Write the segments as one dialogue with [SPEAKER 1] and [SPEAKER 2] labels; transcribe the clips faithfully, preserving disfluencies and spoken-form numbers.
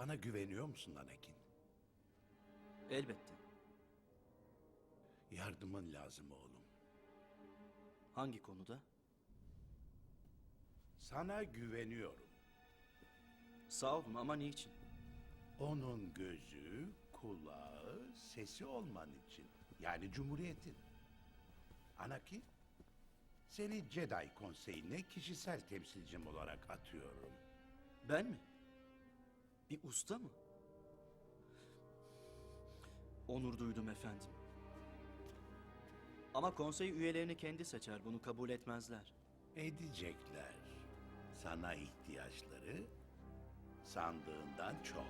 [SPEAKER 1] Bana güveniyor musun Anakin?
[SPEAKER 2] Elbette.
[SPEAKER 1] Yardımın lazım oğlum.
[SPEAKER 2] Hangi konuda?
[SPEAKER 1] Sana güveniyorum.
[SPEAKER 2] Sağ olun ama niçin?
[SPEAKER 1] Onun gözü, kulağı, sesi olman için. Yani Cumhuriyet'in. Anakin, seni Jedi Konseyi'ne kişisel temsilcim olarak atıyorum.
[SPEAKER 2] Ben mi? Bir usta mı? Onur duydum efendim. Ama konsey üyelerini kendi seçer, bunu kabul etmezler.
[SPEAKER 1] Edecekler. Sana ihtiyaçları sandığından çok.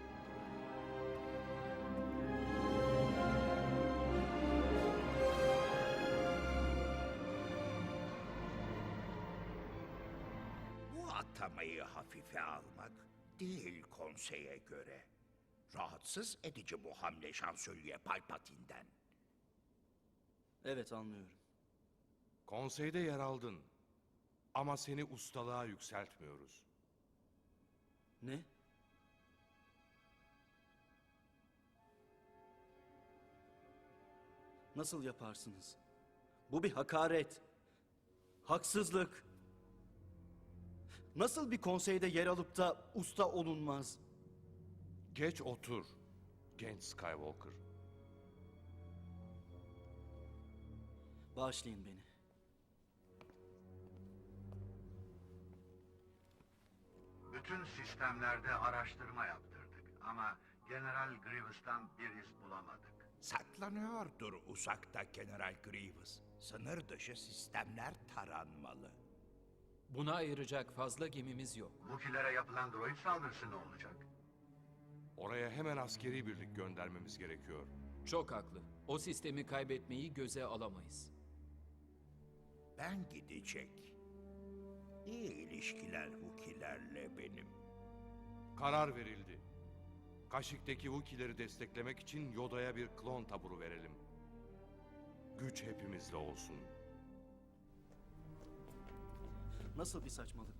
[SPEAKER 3] Bu atamayı hafife almak değil konseye göre. Rahatsız edici bu hamle şansölye Palpatine'den.
[SPEAKER 2] Evet, anlıyorum.
[SPEAKER 4] Konseyde yer aldın. Ama seni ustalığa yükseltmiyoruz.
[SPEAKER 2] Ne? Nasıl yaparsınız? Bu bir hakaret. Haksızlık. Nasıl bir konseyde yer alıp da usta olunmaz?
[SPEAKER 4] Geç otur, genç Skywalker.
[SPEAKER 2] Bağışlayın beni.
[SPEAKER 5] Bütün sistemlerde araştırma yaptırdık ama General Grievous'tan bir iz bulamadık.
[SPEAKER 3] Saklanıyordur uzakta General Grievous. Sınır dışı sistemler taranmalı.
[SPEAKER 6] Buna ayıracak fazla gemimiz yok.
[SPEAKER 5] Wookiee'lere yapılan droid saldırısı ne olacak?
[SPEAKER 4] Oraya hemen askeri birlik göndermemiz gerekiyor.
[SPEAKER 6] Çok haklı. O sistemi kaybetmeyi göze alamayız.
[SPEAKER 3] Ben gidecek. İyi ilişkiler Wookiee'lerle benim.
[SPEAKER 4] Karar verildi. Kaşık'taki Wookiee'leri desteklemek için Yoda'ya bir klon taburu verelim. Güç hepimizde olsun.
[SPEAKER 2] Nasıl bir saçmalık